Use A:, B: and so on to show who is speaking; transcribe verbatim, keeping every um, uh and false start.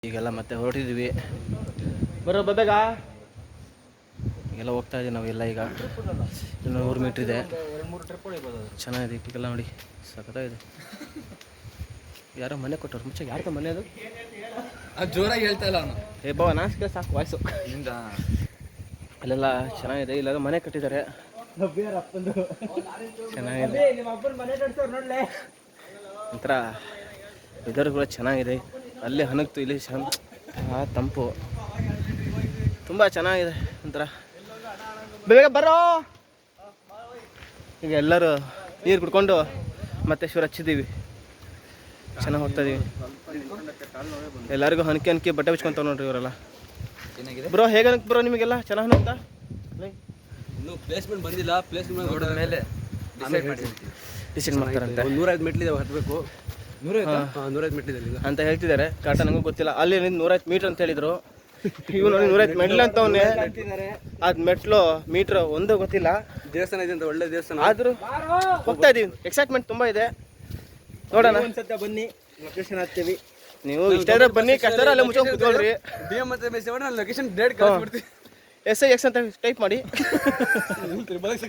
A: ಈಗೆಲ್ಲ ಮತ್ತೆ ಹೊರಟಿದ್ದೀವಿ. ಬರೋ ಬೇಗ ಈಗೆಲ್ಲ ಹೋಗ್ತಾ ಇದೀವಿ ನಾವೆಲ್ಲ. ಈಗ ಇನ್ನು ನೂರು ಮೀಟ್ರ್ ಇದೆ. ಚೆನ್ನಾಗಿದೆ ಈಗೆಲ್ಲ ನೋಡಿ, ಸಖತ್ತಾಗಿದೆ. ಯಾರೋ ಮನೆ ಕೊಟ್ಟವ್ರು ಮುಂಚೆ. ಯಾರ್ದ ಮನೆ ಅದು?
B: ಜೋರಾಗಿ ಹೇಳ್ತಾ ಇಲ್ಲ ಅವನು.
A: ಏ ಬಾವ ನಾಚಿಕೆ ಸಾಕು ವಾಯ್ಸು. ಅಲ್ಲೆಲ್ಲ ಚೆನ್ನಾಗಿದೆ. ಇಲ್ಲೆಲ್ಲ ಮನೆ ಕಟ್ಟಿದ್ದಾರೆ, ಚೆನ್ನಾಗಿದೆ. ಒಂಥರ ವೆದರ್ ಕೂಡ ಚೆನ್ನಾಗಿದೆ. ಅಲ್ಲೇ ಹನಗ್ತು, ಇಲ್ಲಿ ಚೆನ್ನ ತಂಪು, ತುಂಬ ಚೆನ್ನಾಗಿದೆ ಒಂಥರ. ಬೇಗ ಬರೋ. ಈಗ ಎಲ್ಲರೂ ನೀರು ಕುಡ್ಕೊಂಡು ಮತ್ತೆ ಶಿವರ ಹಚ್ಚಿದ್ದೀವಿ. ಚೆನ್ನಾಗಿ ಹೋಗ್ತಾ ಇದೀವಿ. ಎಲ್ಲರಿಗೂ ಹನ್ಕೆ ಹನ್ಕೆ ಬಟ್ಟೆ ಬಿಚ್ಕೊಂತಾವ ನೋಡ್ರಿ ಇವರೆಲ್ಲ. ಬ್ರೋ ಹೇಗೆ ಅನ್ಕ್ ಬ್ರೋ ನಿಮಗೆಲ್ಲ ಚೆನ್ನಾಗಿ ಅನ್ತಾ?
B: ಇನ್ನು ಪ್ಲೇಸ್ಮೆಂಟ್ ಬಂದಿಲ್ಲ. ಪ್ಲೇಸ್ಮೆಂಟ್ ನೋಡಿದ ಮೇಲೆ
A: ಡಿಸೈಡ್ ಮಾಡ್ತಾರಂತೆ.
B: ಒಂದು ನೂರೈದು ಮೆಟ್ಲಿದೆ, ಹತ್ತಬೇಕು. ನೂರೈದು ನೂರೈದು ಮೆಟ್ಲಿದೆ
A: ಅಂತ ಹೇಳ್ತಿದ್ದಾರೆ. ಕರೆಕ್ಟ್ ನನಗೂ ಗೊತ್ತಿಲ್ಲ. ಅಲ್ಲಿ ನೂರೈವತ್ತು ಮೀಟ್ರ್ ಅಂತ ಹೇಳಿದ್ರು. ಇವ್ ನೋಡಿ ನೂರೈವತ್ತು ಮೆಟ್ಲು ಅಂತವನ್ನೇ. ಅದ್ ಮೆಟ್ಲು ಮೀಟ್ರ್ ಒಂದು ಗೊತ್ತಿಲ್ಲ.
B: ದೇವಸ್ಥಾನ ಇದೆ ಅಂತ, ಒಳ್ಳೆ ದೇವಸ್ಥಾನ.
A: ಆದ್ರೂ ಹೋಗ್ತಾ ಇದೀವಿ. ಎಕ್ಸೈಟ್ಮೆಂಟ್ ತುಂಬಾ ಇದೆ. ನೋಡೋಣ,
B: ಒಂದ್ಸತ ಬನ್ನಿ, ಲೊಕೇಶನ್ ಹಾಕ್ತೀವಿ.
A: ನೀವು ಇಷ್ಟ ಇದ್ರೆ ಬನ್ನಿ, ಕಷ್ಟ ಅಲ್ಲೇ ಮುಚ್ಕೊಂಡು ಕೂತ್ಕೊಳ್ರಿ.
B: ಡಿ ಎಂ ಮತ್ತೆ ಮೆಸೇಜ್ ಮಾಡಿ ನಾನು ಲೊಕೇಶನ್ ಡೇಟ್ ಕಳಿಸ್ಬಿಡ್ತೀನಿ.
A: ಎಸ್ ಐ ಎಕ್ಸ್ ಅಂತ ಟೈಪ್ ಮಾಡಿ.